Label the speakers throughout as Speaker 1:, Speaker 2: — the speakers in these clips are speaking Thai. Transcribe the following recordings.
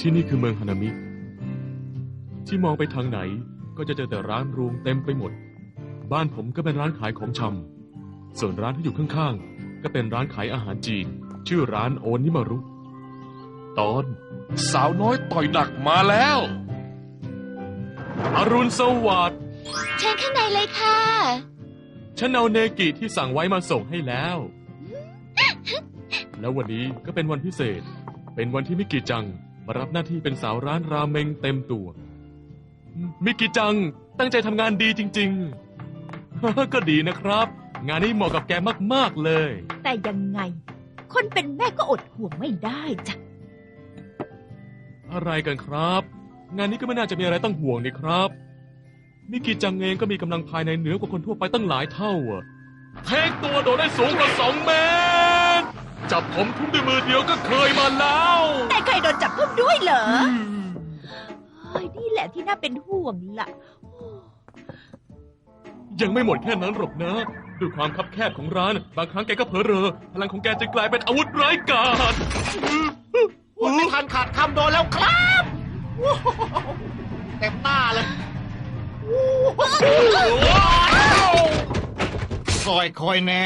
Speaker 1: ที่นี่คือเมืองฮานามิที่มองไปทางไหนก็จะเจอแต่ร้านรวงเต็มไปหมดบ้านผมก็เป็นร้านขายของชำส่วนร้านที่อยู่ข้างๆก็เป็นร้านขายอาหารจีนชื่อร้านโอนิมารุตอน
Speaker 2: สาวน้อยต่อยหนักมาแล้ว
Speaker 1: อรุณสวัสดิ์
Speaker 3: เชิญข้างในเลยค่ะ
Speaker 1: ฉันเอาเนกิที่สั่งไว้มาส่งให้แล้ว แล้ววันนี้ก็เป็นวันพิเศษเป็นวันที่มิกิจังมารับหน้าที่เป็นสาวร้านราเมงเต็มตัวมิกิจังตั้งใจทำงานดีจริงๆ ก็ดีนะครับงานนี้เหมาะกับแกมากๆเลย
Speaker 4: แต่ยังไงคนเป็นแม่ก็อดห่วงไม่ได้จ้ะ
Speaker 1: อะไรกันครับงานนี้ก็ไม่น่าจะมีอะไรต้องห่วงนี่ครับมิกิจังเองก็มีกำลังภายในเหนือกว่าคนทั่วไปตั้งหลายเท่าเทคตัวโดดได้สูงกว่า2 เมตรจับผมทุ่มด้วยมือเดียวก็เคยมาแล้ว
Speaker 4: แต่เคยโดนจับทุ่มด้วยเหรอนี่แหละที่น่าเป็นห่วงล่ะ
Speaker 1: ยังไม่หมดแค่นั้นหรอกนะด้วยความคับแคบของร้านบางครั้งแกก็เผลอเรอพลังของแกจะกลายเป็นอาวุธร้ายกาจ
Speaker 5: พูดไม่ทันขาดคำโดนแล้วครับเต็มหน้าเลยคอยแน่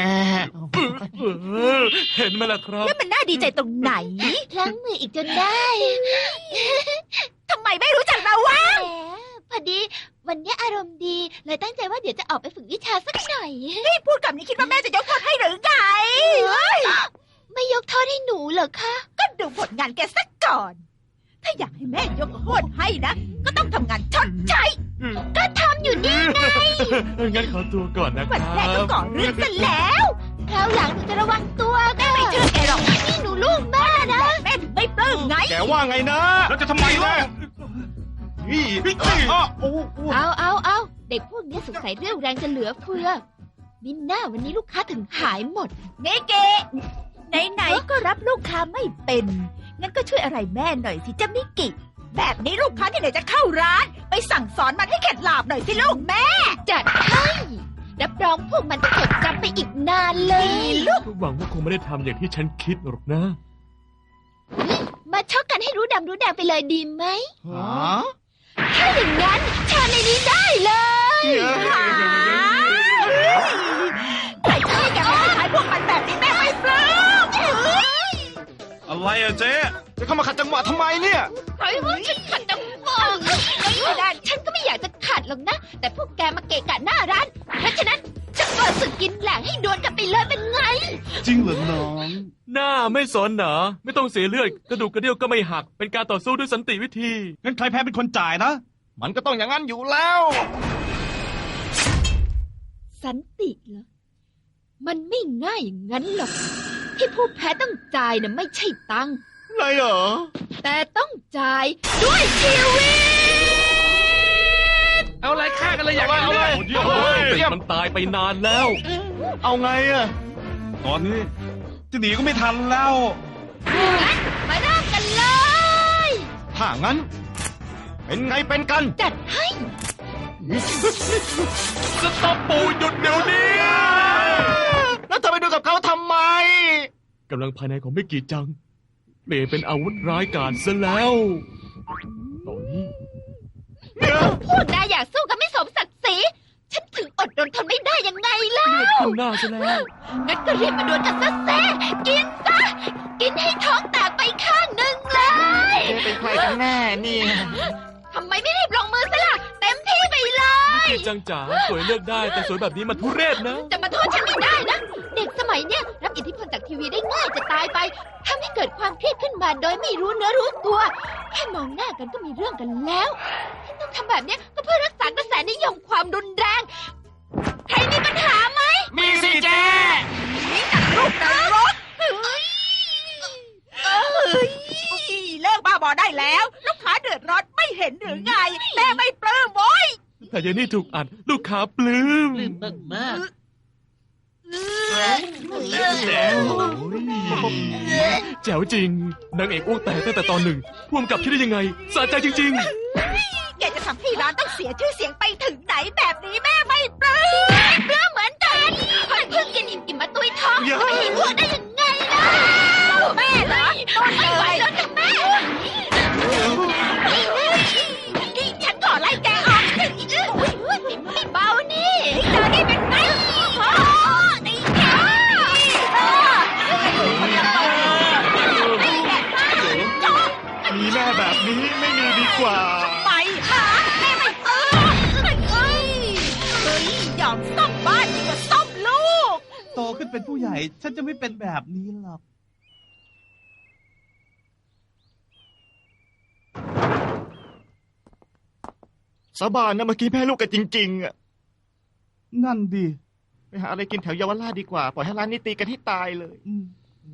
Speaker 1: เห็นไหมล่ะครับ
Speaker 4: แล้วมันน่าดีใจตรงไหน
Speaker 3: พลั้งมืออีกจนได้
Speaker 4: ทำไมไม่รู้จักเราวะ
Speaker 3: พอดีวันนี้อารมณ์ดีเลยตั้งใจว่าเดี๋ยวจะออกไปฝึกวิชาสักหน่อย
Speaker 4: พี่พูดกับนี้คิดว่าแม่จะยกโทษให้หรือไง
Speaker 3: ไม่ยกโทษให้หนูเหรอคะ
Speaker 4: ก็ดูผลงานแกสักก่อนถ้าอยากให้แม่ยกโทษให้นะก็ต้องทำงานชดใช้
Speaker 3: ก็ทำอยู่นี่ไง
Speaker 1: งั้นขอตัวก่อนนะครับ
Speaker 4: วันแรกก็ก่อเรื่องซะแล้ว
Speaker 3: คราวหลังหนูจะระวังตัว
Speaker 4: แม่ไม่เชื่อแกหรอก
Speaker 3: นี่หนูลูกแม่นะ
Speaker 4: แม่ถึงไม่ปลื้มไง
Speaker 5: แกว่าไงนะ
Speaker 2: แล้วจะทำไมล่ะ
Speaker 3: เอาเด็กพวกนี้สงสัยเรี่ยวแรงจะเหลือเฟือมิน่าวันนี้ลูกค้าถึงหายหมด
Speaker 4: เนเกะไหนๆก็รับลูกค้าไม่เป็นงั้นก็ช่วยอะไรแม่หน่อยสิจ้ามิกิแบบนี้ลูกค้าที่ไหนจะเข้าร้านไปสั่งสอนมันให้เข็ดหลาบหน่อยสิลูกแม่
Speaker 3: จัดให้รับรองพวกมันจะจดจำไปอีกนานเลย
Speaker 4: ลูก
Speaker 1: หวังว่าคงไม่ได้ทำอย่างที่ฉันคิดหรอกนะ
Speaker 3: มาชกกันให้รู้ดำรู้แดงไปเลยดีไหมถ้าอย่างนั้นชาในนี้ได้เลย
Speaker 4: ใครจะให้แกมาขายพวกมันแบบนี้แม่ไม่ปลื้ม
Speaker 2: อะไรอะเจ๊
Speaker 5: จะเข้ามาขัดจังหวะทำไมเนี่ย
Speaker 3: ใครว่าฉันขัดจังหวะไม่ได้ฉันก็ไม่อยากจะขัดหรอกนะแต่พวกแกมาเกะกะหน้าร้านเพราะฉะนั้นจะเปิดศึกกินแหลกให้ดวลกันไปเลยเป็นไง
Speaker 2: จริงเหรอน้อง
Speaker 1: หน้าไม่สนเหรอไม่ต้องเสียเลือดกระดูกกระเดี่ยวก็ไม่หักเป็นการต่อสู้ด้วยสันติวิธี
Speaker 2: งั้นใครแพ้เป็นคนจ่ายนะ
Speaker 5: มันก็ต้องอย่างนั้นอยู่แล้ว
Speaker 3: สันติเหรอมันไม่ง่ายอย่างนั้นหรอกที่ผู้แพ้ต้องจ่ายน่ะไม่ใช่ตังค์
Speaker 5: อะไรเหรอ
Speaker 3: แต่ต้องจ่ายด้วยชีวิต
Speaker 2: เอาอะไรฆ่ากันเลยอยากเอาเลย
Speaker 1: มันตายไปนานแล้ว
Speaker 5: เอาไงอะ
Speaker 2: ตอนนี้จะหนีก็ไม่ทันแล้ว
Speaker 3: มาเริ่มกันเลย
Speaker 5: ถ้างั้นเป็นไงเป็นกัน
Speaker 3: จัดให้
Speaker 1: สต๊อปปูหยุดเดี๋ยวนี้
Speaker 5: แล้วเธอไปดูกับเขาทำไม
Speaker 1: กำลังภายในของมิกิจังเปลี่ยนเป็นอาวุธร้ายกาจซะแล้วตอนนี้
Speaker 3: พูดได้อยากสู้กันไม่สมศักดิ์ศรีฉันถึงอดทนทนไม่ได้ยังไงล่ะ
Speaker 1: ขึ้นหน้าซะแล้ว
Speaker 3: งั้นก็รีบมาดวลกันซะแซ่กินซะกินให้ท้องแตกไปข้างหนึ่งเลย
Speaker 5: เป็นใครกันแน่นี่
Speaker 3: ทำไมไม่รีบลงมือซะล่ะเต็มที่ไปเลย
Speaker 1: มิกิจังจ๋าสวยเลือกได้แต่สวยแบบนี้มันทุเรศนะ
Speaker 3: จะมาโทษฉันไม่ได้นะเด็กสมัยเนี้ยรับอิทธิพลจากทีวีได้ง่ายจะตายไปทำให้เกิดความเครียดขึ้นมาโดยไม่รู้เนื้อรู้ตัวแค่มองหน้ากันก็มีเรื่องกันแล้วที่ต้องทำแบบเนี้ยก็เพื่อรักษากระแสนิยมความรุนแรงใครมีปัญหาไหม
Speaker 5: มีสิเจ๊
Speaker 4: นี่จัดลูกนรกเลิกบ้าบอได้แล้วลูกค้าเดือดร้อนไม่เห็นหรือไงแม่ไม่ปลื้มโว้ย
Speaker 1: แต่ยายนี่ถูกอัดลูกค้าปลื้ม
Speaker 5: มาก
Speaker 1: แจ๋วจริงนางเอกอ้วกแตกตั้งแต่ตอนหนึ่งพ่วงกับคิดได้ยังไงสะใจจริง
Speaker 4: ๆแกจะทำให้ร้านต้องเสียชื่อเสียงไปถึงไหนแบบนี้แม่ไม่ปลื้
Speaker 3: มเหมือนกันคนเพิ่งกินอิ่มมาตุยท้องจะไม่ให้อ้วกได้ยังไงล่ะ
Speaker 4: แม่เหรอ
Speaker 3: ไม่ไหวแล้วจ้ะแม่
Speaker 2: เป็นผู้ใหญ่ ฉันจะไม่เป็นแบบนี้หรอก
Speaker 5: สาบานนะเมื่อกี้แม่ลูกกันจริงๆอะ
Speaker 2: นั่นดิ
Speaker 5: ไปหาอะไรกินแถวเยาวราชดีกว่า ปล่อยให้ร้านนี้ตีกันให้ตายเลย
Speaker 2: อืม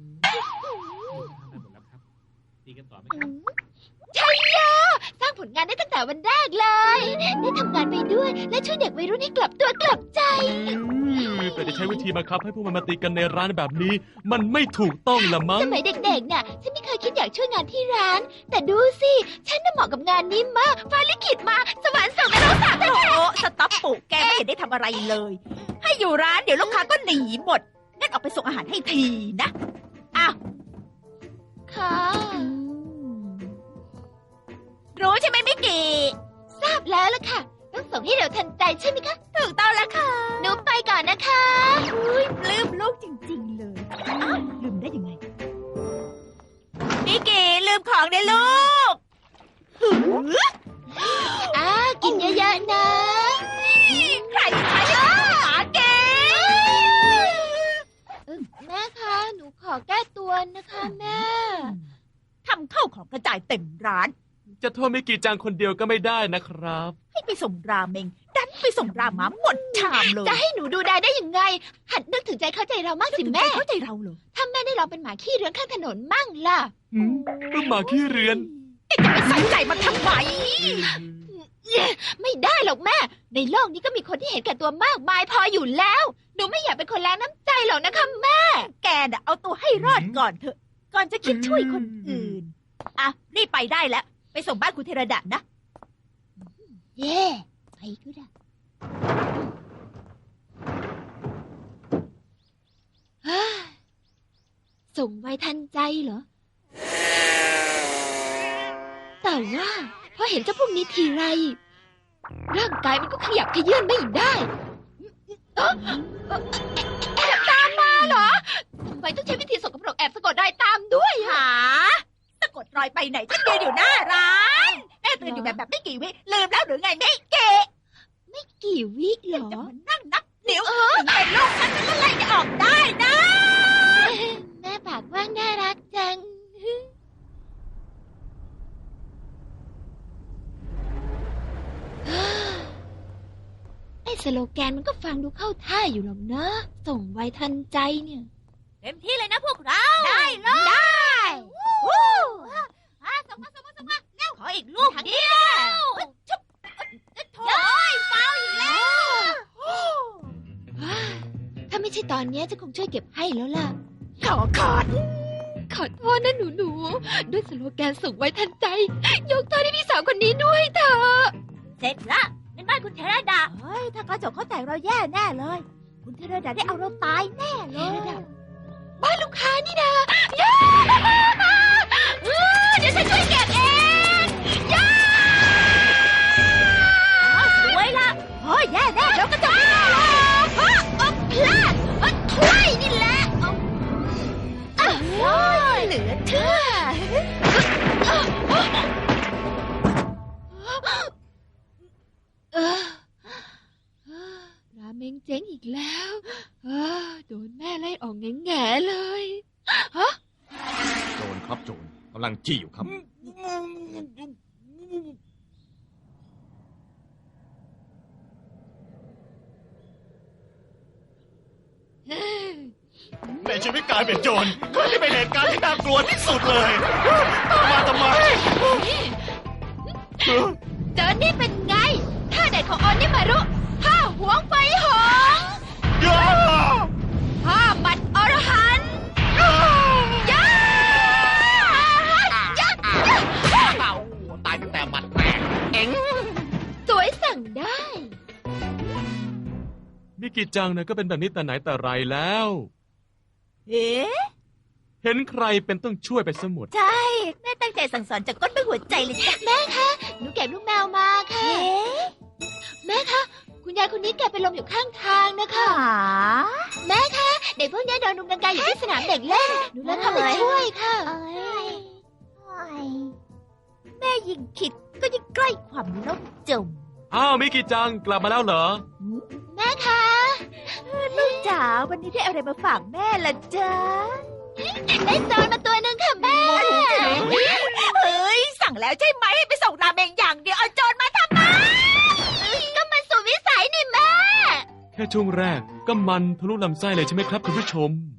Speaker 3: ชัยโยสร้างผลงานได้ตั้งแต่วันแรกเลย ได้ทำงานไปด้วย และช่วยเด็กวัยรุ่นให้กลับตัวกลับใจ
Speaker 1: แต่จะใช้วิธีบังคับให้พวกมันมาตีกันในร้านแบบนี้ มันไม่ถูกต้องละมั้ง
Speaker 3: สมัยเด็กๆเนี่ยฉันไม่เคยคิดอยากช่วยงานที่ร้าน แต่ดูสิ ฉันน่ะเหมาะกับงานนี้มาก ฟ้าลิขิตมา สวรรค์ส่งนรกสาบ
Speaker 4: โอ้สต๊อปปุแกไม่เห็นได้ทำอะไรเลย ให้อยู่ร้านเดี๋ยวลูกค้าก็หนีหมด งั้นออกไปส่งอาหารให้ทีนะอ้าว
Speaker 3: ค่ะ
Speaker 4: รู้ใช่ไหมมิกกี้
Speaker 3: ทราบแล้วล่ะค่ะ ต้องส่งให้เร็วทันใจใช่ไหมคะ
Speaker 4: ถูกต้องแล้วค่ะ
Speaker 3: หนูไปก่อนนะคะ
Speaker 4: อุ้ยปลื้มลูกจริงๆเลยอ้าวลืมได้ยังไงมิกกี้ลืมของในลูกหือ
Speaker 3: กินเยอะๆนะ
Speaker 4: ใครจะหมาเก๋
Speaker 3: แม่คะ หนูขอแก้ตัวนะคะแม่
Speaker 4: ทำเข้าของกระจายเต็มร้าน
Speaker 1: จะโทษมิกิจังคนเดียวก็ไม่ได้นะครับ
Speaker 4: ให้ไปส่งราเมงดันไปส่งราหมาหมดชามเลย
Speaker 3: จะให้หนูดูได้ยังไง หัดนึกถึงใจเข้าใจเรามากสิแม่
Speaker 4: เข้าใจเราเหรอ
Speaker 3: ถ้าแม่ได้ลองเป็นหมาขี้เรือนข้างถนนมั่งล่ะ
Speaker 1: เป็นหมาขี้เรือน
Speaker 4: จะไปใส่ใจมันทำไม
Speaker 3: ไม่ได้หรอกแม่ ในโลกนี้ก็มีคนที่เห็นแก่ตัวมากมายพออยู่แล้ว หนูไม่อยากเป็นคนแรงน้ำใจหรอกนะคะแม่
Speaker 4: แกน่ะเอาตัวให้รอดก่อนเถอะ ก่อนจะคิดช่วยคนอื่น อ่ะ รีบไปได้แล้ว ไปส่งบ้านคุณเทระดะนะ
Speaker 3: เย่ไปก็ได้เฮ้ยส่งไวทันใจเหรอ แต่ว่าพอเห็นเจ้าพวกนี้ทีไร ร่างกายมันก็ขยับขยื่นไม่ได้แอบตามมาเหรอทำไมต้องใช้วิธีสกปรกแอบสะกดรอยตามด้วย
Speaker 4: หาสะกดรอยไปไหนฉันยืนอยู่หน้าร้านแม่ตื่นอยู่แบบไม่กี่วิลืมแล้วหรือไงไม่เก๋
Speaker 3: ไม่กี่วิเหรอ
Speaker 4: จะมานั่งนับนิ้วถึงเป็นลูกฉันก็ไล่จะออกได้นะ
Speaker 3: แม่ปากว่างน่ารักจัง ไอ้สโลแกนมันก็ฟังดูเข้าท่าอยู่หรอกนะ ส่งไวทันใจเนี่ย
Speaker 4: เต็มที่เลยนะพวกเรา ได้เลยได้วู้ส่งมาเร็วขออีกลูกเดียวชุบโถ่เฝ้าอีกแล้ว
Speaker 3: ถ้าไม่ใช่ตอนเนี้ยจะคงช่วยเก็บให้แล้วล่ะ
Speaker 4: ขอ
Speaker 3: ขอโทษนะหนูๆ ด้วยสโลแกนส่งไว้ทันใจ ยกโทษให้พี่สาวคนนี้ด้วยเถอะ
Speaker 4: เสร็จละเป็นบ้านคุณเทระดาเฮ้ยถ้ากระจกเขาแต่งเราแย่แน่เลย คุณเทระดาได้เอาเราตายแน่เลย
Speaker 3: บ้านลูกค้านี่นะย่าเดี๋ยวฉันช่วยเก็บเองย่า
Speaker 4: สวยละเฮ้ยแย่แน่แล้วกระจกไม่ได้เลย
Speaker 3: พลาดถ้วยนี่แหละเหลือเชื่อราเมงเจ๊งอีกแล้วโดนแม่ไล่ออกแง่ๆเลย
Speaker 5: โจรครับโจรกำลังจี้อยู่ครับ ในชีวิตกลายเป็นโจรที่เป็นเหตุการณ์ที่น่ากลัวที่สุดเลยมาทำไม
Speaker 3: เจอนี่เป็นไงท่าเด็ดของออนนี่มารุท่าหวงไฟหงท่าหมัดอรหันต์ย่า
Speaker 5: ตายตั้งแต่หมัดแรกเอ็ง
Speaker 3: สวยสั่งได้
Speaker 1: มิกิจังนะก็เป็นแบบนี้แต่ไหนแต่ไรแล้ว
Speaker 4: เอ๊ะ
Speaker 1: เห็นใครเป็นต้องช่วยไปสมุด
Speaker 4: ใช่แม่ตั้งใจสั่งสอนจากก้นไปหัวใจเลยจ้ะ
Speaker 3: แม่คะหนูเก็บลูกแมวมาค่ะ แม่คะคุณยายคนนี้แกเป็นลมอยู่ข้างทางนะคะ แม่คะเด็กพวกนี้โดนรุมรังแกอยู่ที่สนามเด็กเล่นหนูเลยเข้าไปช่วยค่ะ
Speaker 4: แม่ยิ่งคิดก็ยิ่งใกล้ความล่มจม
Speaker 1: อ้าวมิกิจังกลับมาแล้วเหรอ
Speaker 3: แม่คะ
Speaker 4: ลูกจ๋าวันนี้ได้อะไรมาฝากแม่ล่ะจ๊ะ
Speaker 3: ได้โจรมาตัวหนึ่งค่ะแม่
Speaker 4: เฮ้ยสั่งแล้วใช่ไหมให้ไปส่งราเมงอย่างเดียวเอาโจรมาทำไม
Speaker 3: ก็มันสุดวิสัยนี่แม่
Speaker 1: แค่ช่วงแรกก็มันทะลุลำไส้เลยใช่ไหมครับคุณผู้ชม